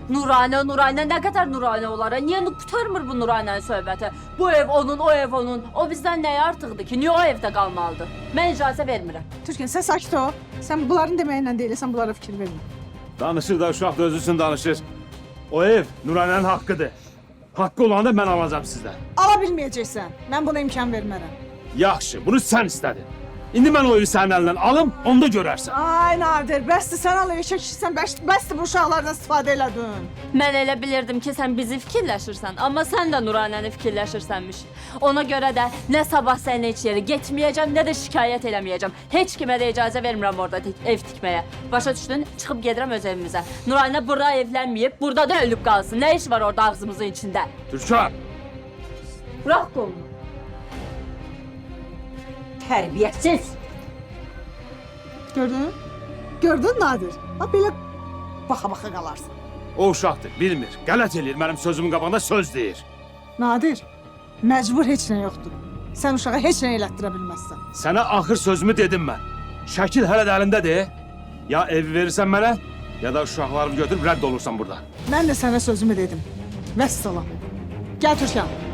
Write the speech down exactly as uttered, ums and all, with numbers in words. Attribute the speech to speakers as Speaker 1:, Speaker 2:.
Speaker 1: Nuranə, Nuranə, nə qədər Nuranə olar? Niyə qurtarmır bu Nuranənin söhbəti? Bu ev onun, o ev onun. O bizdən nəyə artıqdır ki? Niyə o evdə qalmalıdır? Mən icazə vermirəm.
Speaker 2: Türkan sen sakit ol. Sen bunların demeyiyle değil, sen bunlara fikir verme.
Speaker 3: Danışır da uşaq da özüsün danışır. O ev Nuranənin haqqıdır. Haqqı olanı da mən alacağım sizdən.
Speaker 2: Alabilmeyeceksen. Ben buna imkan vermərəm.
Speaker 3: Yaxşı, bunu sən istədin. İndi mən o evi sənin əlindən alım, onda görərsən.
Speaker 2: Ay Nadir, bəsdir sen al eşek işsən, bəsdir bu uşaqlardan istifadə elədin.
Speaker 1: Mən elə bilirdim ki, sən bizi fikirləşirsən, amma sən də Nuranəni fikirləşirsənmiş. Ona görə də nə sabah səninlə heç yeri getməyəcəm, nə də şikayət eləməyəcəm. Heç kimə də icazə vermirəm orada tik ev tikməyə. Başa düşdün? Çıxıb gedirəm öz evimizə. Nuranə burada evlənməyib, burada da ölüb qalsın. Nə iş var orada ağzımızın içində?
Speaker 3: Türkan!
Speaker 1: Bırax qolunu. Tərbiyəsiz.
Speaker 2: Gördün? Gördün Nadir? Ha belə baxa-baxa qalarsın.
Speaker 3: O uşaqdır, bilmir. Qələt eləyir, mənim sözümün qabağında söz deyir.
Speaker 2: Nadir, məcbur heç nə yoxdur. Sən uşağa heç nə elətdirə bilməzsən.
Speaker 3: Sənə axır sözümü dedim mən. Şəkil hələ də əlindədir. Ya evi verirsən mənə, ya da uşaqlarımı götürüb rədd olursan burada.
Speaker 2: Mən də sənə sözümü dedim. Vəssalam. Gəl Türkan.